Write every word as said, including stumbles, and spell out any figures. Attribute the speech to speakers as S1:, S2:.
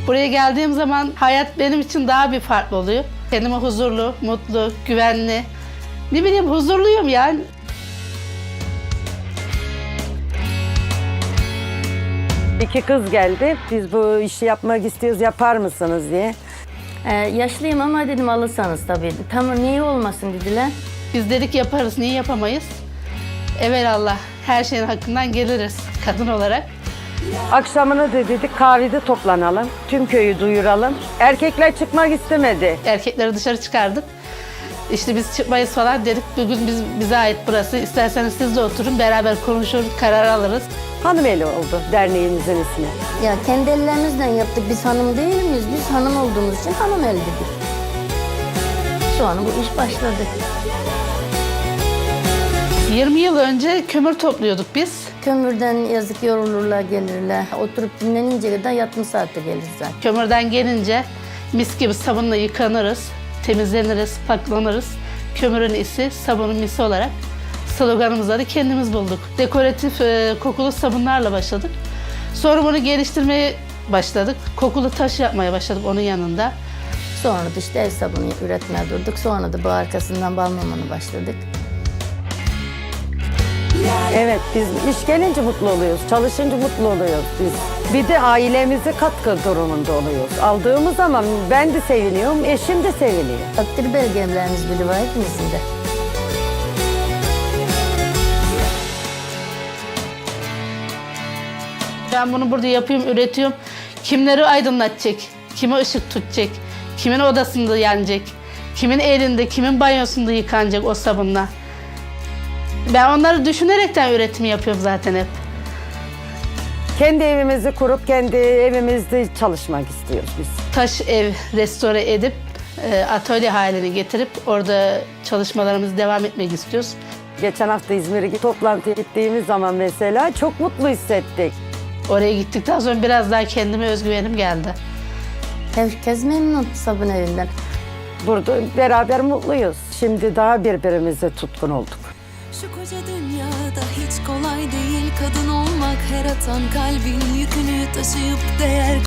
S1: Buraya geldiğim zaman hayat benim için daha bir farklı oluyor. Kendime huzurlu, mutlu, güvenli. Ne bileyim huzurluyum yani.
S2: İki kız geldi. Biz bu işi yapmak istiyoruz, yapar mısınız diye.
S3: Ee, yaşlıyım ama dedim alırsanız tabii. Tamam niye olmasın dediler.
S1: Biz dedik yaparız, niye yapamayız? Evelallah her şeyin hakkından geliriz kadın olarak.
S2: Akşamını da dedik kahvede toplanalım. Tüm köyü duyuralım. Erkekler çıkmak istemedi.
S1: Erkekleri dışarı çıkardık. İşte biz çıkmayız falan dedik. Bugün biz, bize ait burası. İsterseniz siz de oturun, beraber konuşur, karar alırız.
S2: Hanımeli oldu derneğimizin ismi.
S3: Ya kendi ellerimizden yaptık. Biz hanım değil miyiz? Biz hanım olduğumuz için hanım el dedik. Sonra bu iş başladı.
S1: yirmi yıl önce kömür topluyorduk biz.
S3: Kömürden yazık yorulurlar gelirler. Oturup dinlenince kadar yatma saatte gelir zaten.
S1: Kömürden gelince mis gibi sabunla yıkanırız, temizleniriz, paklanırız. Kömürün isi, sabunun misi olarak sloganımızı da kendimiz bulduk. Dekoratif e, kokulu sabunlarla başladık. Sonra bunu geliştirmeye başladık. Kokulu taş yapmaya başladık onun yanında.
S3: Sonra da işte el sabunu üretmeye durduk. Sonra da bu arkasından bal mumununa başladık.
S2: Evet, biz iş gelince mutlu oluyoruz, çalışınca mutlu oluyoruz biz. Bir de ailemize katkı durumunda oluyoruz. Aldığımız zaman ben de seviniyorum, eşim de seviniyor.
S3: Takdir belgelerimiz bile var hepimizin de.
S1: Ben bunu burada yapıyorum, üretiyorum. Kimleri aydınlatacak, kime ışık tutacak, kimin odasında yanacak, kimin elinde, kimin banyosunda yıkanacak o sabunla. Ben onları düşünerekten üretimi yapıyorum zaten hep.
S2: Kendi evimizi kurup kendi evimizde çalışmak istiyoruz biz.
S1: Taş ev restore edip e, atölye haline getirip orada çalışmalarımızı devam etmek istiyoruz.
S2: Geçen hafta İzmir'e toplantıya gittiğimiz zaman mesela çok mutlu hissettik.
S1: Oraya gittikten sonra biraz daha kendime özgüvenim geldi.
S3: Herkes memnun sabun evinden.
S2: Burada beraber mutluyuz. Şimdi daha birbirimize tutkun olduk.
S4: Şu koca dünyada hiç kolay değil kadın olmak, her atan kalbin yükünü taşıyıp değer